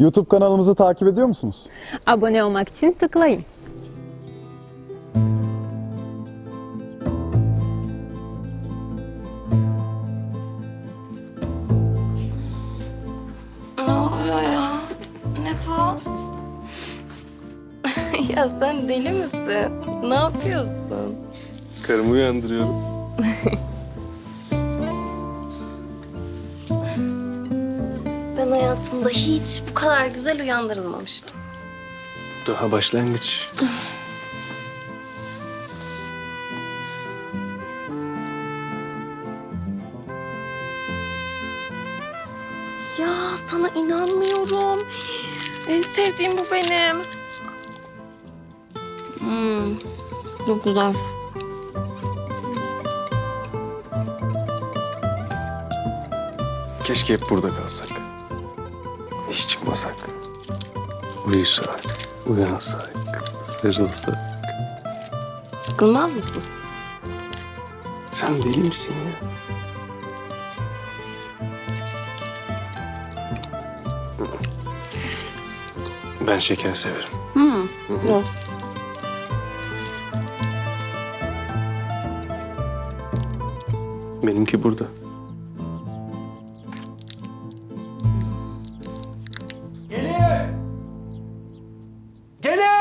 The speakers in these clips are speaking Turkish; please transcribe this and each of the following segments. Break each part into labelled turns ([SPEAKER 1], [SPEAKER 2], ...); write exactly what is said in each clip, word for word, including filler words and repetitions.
[SPEAKER 1] YouTube kanalımızı takip ediyor musunuz?
[SPEAKER 2] Abone olmak için tıklayın.
[SPEAKER 3] Ne oluyor ya? Ne bu? Ya sen deli misin? Ne yapıyorsun?
[SPEAKER 4] Karımı uyandırıyorum.
[SPEAKER 3] Ben hayatımda hiç bu kadar güzel uyandırılmamıştım.
[SPEAKER 4] Daha başlangıç.
[SPEAKER 3] Ya sana inanmıyorum. En sevdiğim bu benim. Hmm, çok güzel.
[SPEAKER 4] Keşke hep burada kalsak. Hiç çıkmasak. Uyusak, uyansak, sarılsak.
[SPEAKER 3] Sıkılmaz mısın?
[SPEAKER 4] Sen deli misin ya? Ben şeker severim.
[SPEAKER 3] Hmm. Hı.
[SPEAKER 4] Benimki burada.
[SPEAKER 5] Gelin! Gelin!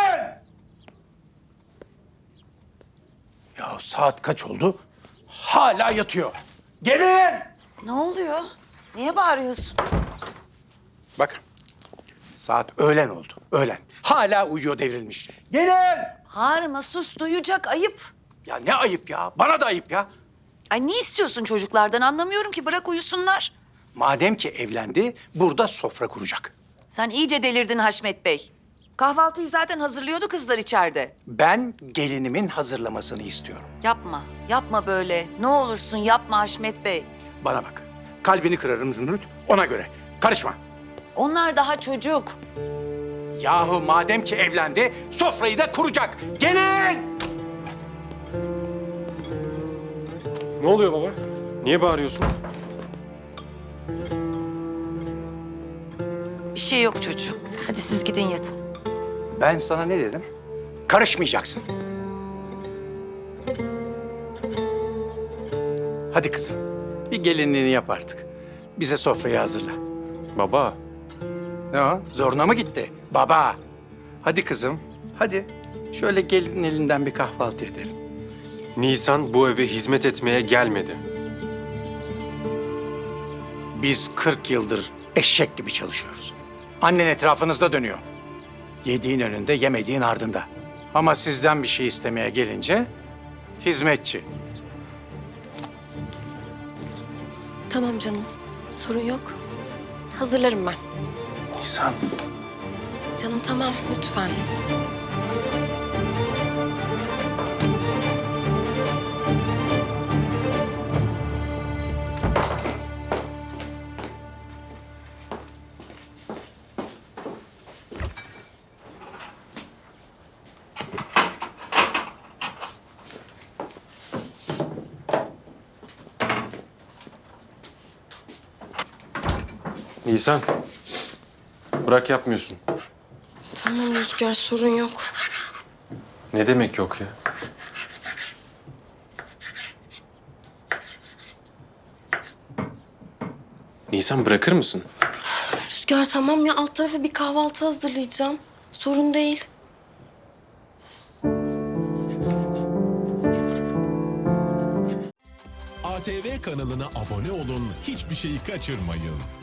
[SPEAKER 5] Ya saat kaç oldu? Hala yatıyor. Gelin!
[SPEAKER 6] Ne oluyor? Niye bağırıyorsun?
[SPEAKER 5] Bakın. Saat öğlen oldu. Öğlen. Hala uyuyor devrilmiş. Gelin!
[SPEAKER 6] Bağırma, sus, duyacak, ayıp.
[SPEAKER 5] Ya ne ayıp ya. Bana da ayıp ya.
[SPEAKER 6] Ay ne istiyorsun çocuklardan anlamıyorum ki, bırak uyusunlar.
[SPEAKER 5] Madem ki evlendi, burada sofra kuracak.
[SPEAKER 6] Sen iyice delirdin Haşmet Bey. Kahvaltıyı zaten hazırlıyordu kızlar içeride.
[SPEAKER 5] Ben gelinimin hazırlamasını istiyorum.
[SPEAKER 6] Yapma, yapma böyle. Ne olursun yapma Haşmet Bey.
[SPEAKER 5] Bana bak. Kalbini kırarım Zümrüt. Ona göre. Karışma.
[SPEAKER 6] Onlar daha çocuk.
[SPEAKER 5] Yahu madem ki evlendi, sofrayı da kuracak. Gelin!
[SPEAKER 4] Ne oluyor baba? Niye bağırıyorsun?
[SPEAKER 6] Bir şey yok çocuğum. Hadi siz gidin yatın.
[SPEAKER 5] Ben sana ne dedim? Karışmayacaksın. Hadi kızım, bir gelinliğini yap artık. Bize sofrayı hazırla.
[SPEAKER 4] Baba,
[SPEAKER 5] Ne o? Zoruna mı gitti? Baba. Hadi kızım, hadi. Şöyle gelinin elinden bir kahvaltı edelim.
[SPEAKER 4] Nisan bu eve hizmet etmeye gelmedi.
[SPEAKER 5] Biz kırk yıldır eşek gibi çalışıyoruz. Annen etrafınızda dönüyor. Yediğin önünde, yemediğin ardında. Ama sizden bir şey istemeye gelince hizmetçi.
[SPEAKER 3] Tamam canım. Sorun yok. Hazırlarım ben.
[SPEAKER 4] Nisan.
[SPEAKER 3] Canım tamam lütfen.
[SPEAKER 4] Nisan. Bırak yapmıyorsun.
[SPEAKER 3] Tamam Rüzgar sorun yok.
[SPEAKER 4] Ne demek yok ya? Nisan bırakır mısın?
[SPEAKER 3] Rüzgar tamam ya alt tarafa bir kahvaltı hazırlayacağım. Sorun değil.
[SPEAKER 7] A T V kanalına abone olun, hiçbir şeyi kaçırmayın.